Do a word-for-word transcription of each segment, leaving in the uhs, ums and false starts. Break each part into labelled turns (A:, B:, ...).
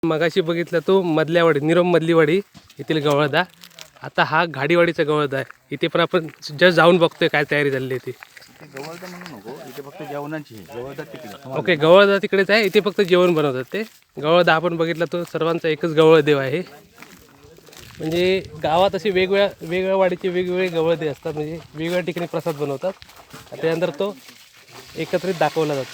A: मगाशी बघितलं तो मधल्यावाडी निरम मधलीवाडी येथील गवळदा. आता हा घाडीवाडीचा गवळदा आहे. इथे पण आपण जस्ट जाऊन बघतोय काय तयारी झाली आहे ती.
B: गवळदा म्हणू नको, इथे फक्त जेवणाची आहे. गवळदा तिकडे.
A: ओके, गवळदा तिकडेच आहे. इथे फक्त जेवण बनवतात ते. गवळदा आपण बघितला तो सर्वांचा एकच गवळदेव आहे. म्हणजे गावात असे वेगवेगळ्या वेगवेगळ्या वाडीचे वेगवेगळे गवळदे असतात. म्हणजे वेगवेगळ्या ठिकाणी प्रसाद बनवतात. त्यानंतर तो एकत्रित दाखवला जातो.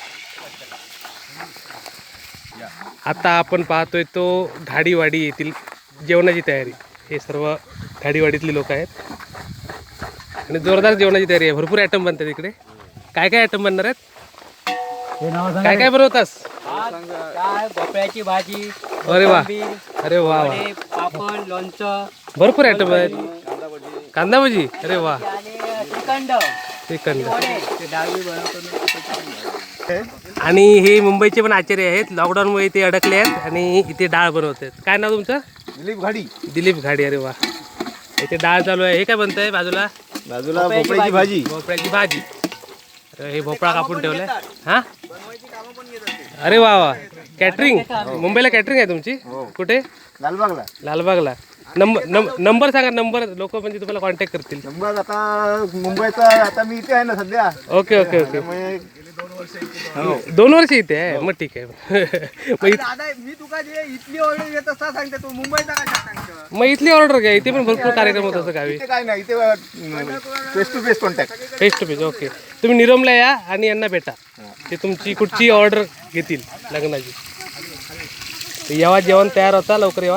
A: आता आपण पाहतोय तो घाडीवाडी येथील जेवणाची तयारी. हे सर्व घाडीवाडीतले लोक आहेत आणि जोरदार जेवणाची तयारी आहे. भरपूर आयटम बनतात इकडे. काय काय आयटम बनणार आहेत? काय काय बनवतास?
C: काय भोपळ्याची भाजी,
A: अरे वा, अरे वा वा,
C: पापड, लोणचं,
A: भरपूर आयटम आहेत. कांदा भजी, अरे वा,
C: आणि श्रीखंड,
A: श्रीखंड.
C: ते डाळी बनवतो.
A: आणि हे मुंबईचे पण आचार्य आहेत. लॉकडाऊनमुळे इथे अडकले आहेत आणि इथे डाळ बनवत आहेत. काय नाव तुमचं?
B: दिलीप घाडी.
A: दिलीप घाडी. अरे वा, इथे डाळ चालू आहे. हे काय बनत आहे बाजूला?
B: बाजूला भोपळ्याची भाजी.
A: भोपळ्याची भाजी. अरे हे भोपळा कापून ठेवलाय. हा, अरे वा वा, कॅटरिंग. मुंबईला कॅटरिंग आहे तुमची? कुठे?
B: लालबागला.
A: लालबागला. नंबर नंबर सांगा. नंबर लोक म्हणजे तुम्हाला कॉन्टॅक्ट करतील.
B: नंबर आता मुंबईचा, आता मी इथे आहे ना सध्या.
A: Okay okay okay.
B: त्यामुळे
A: दोन वर्ष इथे आहे. मग ठीक आहे. मग इत-
C: दादा मी तुका जे इथली ऑर्डर येत असता सांगते तू मुंबईचा काय सांगतो.
A: मग इथली ऑर्डर घ्या. इथे पण भरपूर कार्यक्रम होत असं गावी.
B: इथे काय नाही, इथे face to face contact.
A: Face to face. Okay, तुम्ही निरमला या आणि यांना भेटा. ते तुमची कुठची ऑर्डर घेतील लग्नाची. तर येवा, जेवण तयार होता, लवकर येवा.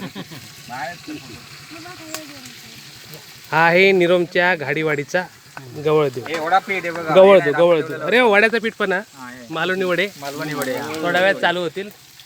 A: हा आहे निरोमच्या घाडीवाडीचा गवळदेव. गवळदेव गवळदेव. अरे वड्याचं पीठ पण हा. मालवणी वडे.
B: मालवणी वडे.
A: थोड्या वेळात चालू होतील.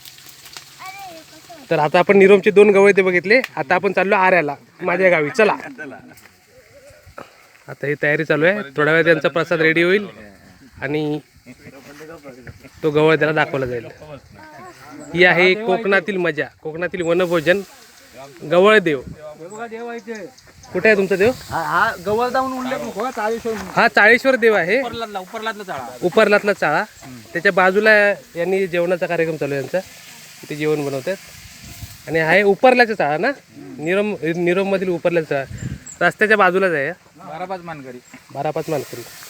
A: तर आता आपण निरोमचे दोन गवळदेव बघितले. आता आपण चाललो आऱ्याला, माझ्या गावी. चला, आता ही तयारी चालू आहे. थोड्या वेळात त्यांचा प्रसाद रेडी होईल आणि तो गवळद्याला दाखवला जाईल. ही आहे कोकणातील मजा, कोकणातील वनभोजन. गवळदेव कुठे आहे तुमचा देव?
C: हा गवळदा म्हणून उल्लेख नको. चाळीस
A: हा चाळेश्वर देव आहे.
C: उपरलातला उपरलातला चाळा.
A: उपरलातला चाळा. त्याच्या बाजूला यांनी जेवणाचा कार्यक्रम चालू आहे यांचा. इथे जेवण बनवतात. आणि आहे उपरल्याचा चाळा ना, निरम निरम मधील उपरल्याचा चाळा. रस्त्याच्या बाजूलाच आहे.
C: बारा पाच मानकरी.
A: बारा पाच मानकरी.